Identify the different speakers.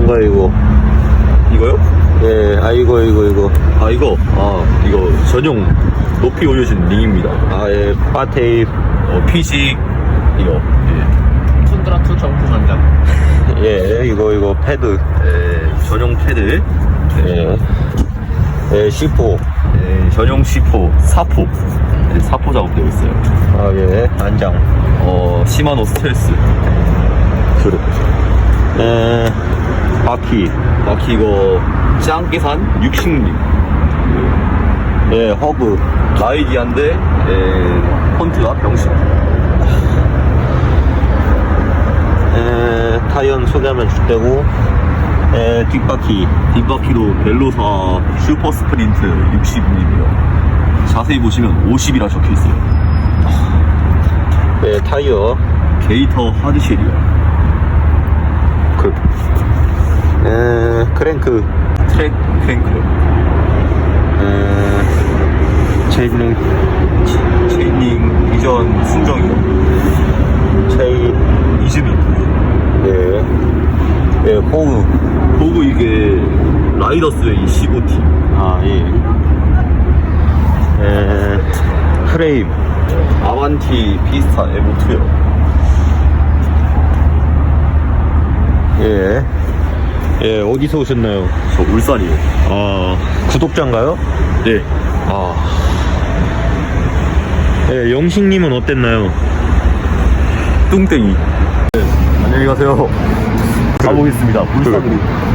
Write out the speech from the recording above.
Speaker 1: 뭔가 이거?
Speaker 2: 이거요?
Speaker 1: 예, 이거.
Speaker 2: 이거 전용 높이 올려준 링입니다.
Speaker 1: 예, 바테이프.
Speaker 2: 피식 이거. 툰드라2 정품 한장.
Speaker 1: 예, 이거 패드.
Speaker 2: 전용 패드.
Speaker 1: 예, C4.
Speaker 2: 전용 C4 사포. 사포 작업되어 있어요.
Speaker 1: 예, 안장.
Speaker 2: 시마노 스텔스.
Speaker 1: 그래. 바퀴.
Speaker 2: 이거 짱깨산 60림.
Speaker 1: 예, 허브.
Speaker 2: 라이디안데 폰트가 병신.
Speaker 1: 타이어는 소개하면 줄테고.
Speaker 2: 뒷바퀴도 벨로사 슈퍼 스프린트 60mm예요. 자세히 보시면 50이라 적혀 있어요.
Speaker 1: 타이어.
Speaker 2: 게이터 하드쉘이요.
Speaker 1: 크랭크.
Speaker 2: 트랙 크랭크요.
Speaker 1: 체인링.
Speaker 2: 비전 순정이요.
Speaker 1: 체인.
Speaker 2: 이즈미. 호구 이게 라이더스웨이 15T.
Speaker 1: 프레임.
Speaker 2: 아반티 피스타 에보2요.
Speaker 1: 어디서 오셨나요?
Speaker 2: 저 울산이요.
Speaker 1: 구독자인가요?
Speaker 2: 네.
Speaker 1: 영식님은 어땠나요?
Speaker 2: 뚱땡이. 안녕히 가세요. 가보겠습니다. 울산으로.